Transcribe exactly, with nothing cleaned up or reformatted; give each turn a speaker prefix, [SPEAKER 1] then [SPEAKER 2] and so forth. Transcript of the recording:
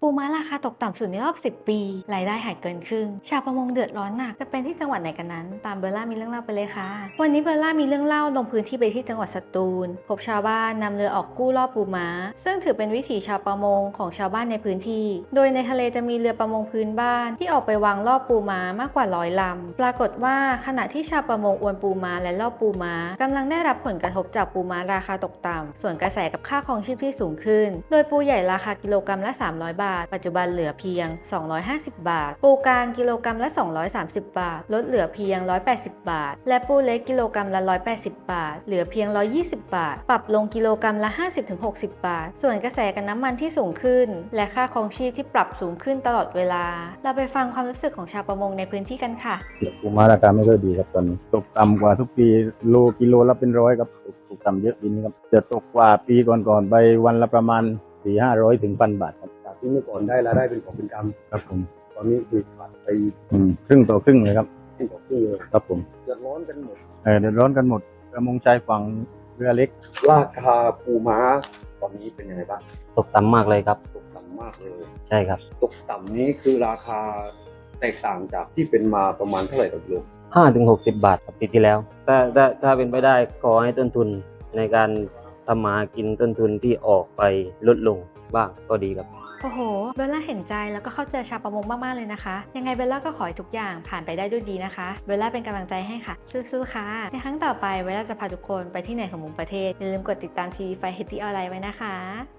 [SPEAKER 1] ปูม้าราคาตกต่ำสุดในรอบสิบปีรายได้หายเกินครึ่งชาวประมงเดือดร้อนหนักจะเป็นที่จังหวัดไหนกันนั้นตามเบลล่ามีเรื่องเล่าไปเลยค่ะวันนี้เบลล่ามีเรื่องเล่าลงพื้นที่ไปที่จังหวัดสตูลพบชาวบ้านนำเรือออกกู้รอบปูม้าซึ่งถือเป็นวิถีชาวประมงของชาวบ้านในพื้นที่โดยในทะเลจะมีเรือประมงพื้นบ้านที่ออกไปวางรอบปูม้ามากกว่าร้อยลำปรากฏว่าขณะที่ชาวประมงอวนปูม้าและรอบปูม้ากำลังได้รับผลกระทบจากปูม้าราคาตกต่ำส่วนกระแสกับค่าครองชีพที่สูงขึ้นโดยปูใหญ่ราคากิโลกรัมละสามร้อยบาทปัจจุบันเหลือเพียงสองร้อยห้าสิบบาทปูกลางกิโลกรัมละสองร้อยสามสิบบาทลดเหลือเพียงหนึ่งร้อยแปดสิบบาทและปูเล็กกิโลกรัมละหนึ่งร้อยแปดสิบบาทเหลือเพียงหนึ่งร้อยยี่สิบบาทปรับลงกิโลกรัมละ ห้าสิบถึงหกสิบ บาทส่วนกระแสกับน้ำมันที่สูงขึ้นและค่าครองชีพที่ปรับสูงขึ้นตลอดเวลาเราไปฟังความรู้สึกของชาวประมงในพื้นที่กันค่ะ
[SPEAKER 2] ปูม้าราคาไม่ค่อยดีครับตอนนี้ตกต่ำกว่าทุกปีโลกิโลละเป็นร้อยครับตกต่ำเยอะปีนี้ครับจะตกกว่าปีก่อนๆไปวันละประมาณสี่ห้าร้อยถึงพันบาทครับ
[SPEAKER 3] จากที่เมื่อก่อนได้รายได้เป็นของเป็นกำ
[SPEAKER 2] ครับผม
[SPEAKER 3] ตอนนี้คือขาดไป
[SPEAKER 2] ครึ่งต่อครึ่งเลยครับ
[SPEAKER 3] ครึ่งต่อครึ่งเลย
[SPEAKER 2] ครับผม
[SPEAKER 3] เดือดร้อนกันหมด
[SPEAKER 2] เออเดือดร้อนกันหมดประมงชายฝั่งเรือเล็ก
[SPEAKER 3] ราคาปูม้าตอนนี้เป็นยังไงบ้าง
[SPEAKER 4] ตกต่ำมากเลยครับ
[SPEAKER 3] ตกต่ำมากเลย
[SPEAKER 4] ใช่ครับ
[SPEAKER 3] ตกต่ำนี้คือราคาแตกต่างจากที่เป็นมาประมาณเท่าไหร่ต่อกิโล
[SPEAKER 4] ห้าถึงหกสิบบาทครับปีที่แล้วถ้าถ้าถ้าเป็นไปได้ขอให้ต้นทุนในการทำมากินต้นทุนที่ออกไปลดลงบ้างก็ดีครับ
[SPEAKER 1] โอ้โหเบลล่าเห็นใจแล้วก็เข้าใจชาวประมงมากๆเลยนะคะยังไงเบลล่าก็ขอให้ทุกอย่างผ่านไปได้ด้วยดีนะคะเบลล่าเป็นกำลังใจให้ค่ะสู้ๆค่ะในครั้งต่อไปเบลล่าจะพาทุกคนไปที่ไหนของมุมประเทศอย่าลืมกดติดตามทีวีไฟเฮตตี้ออนไลน์ไว้นะคะ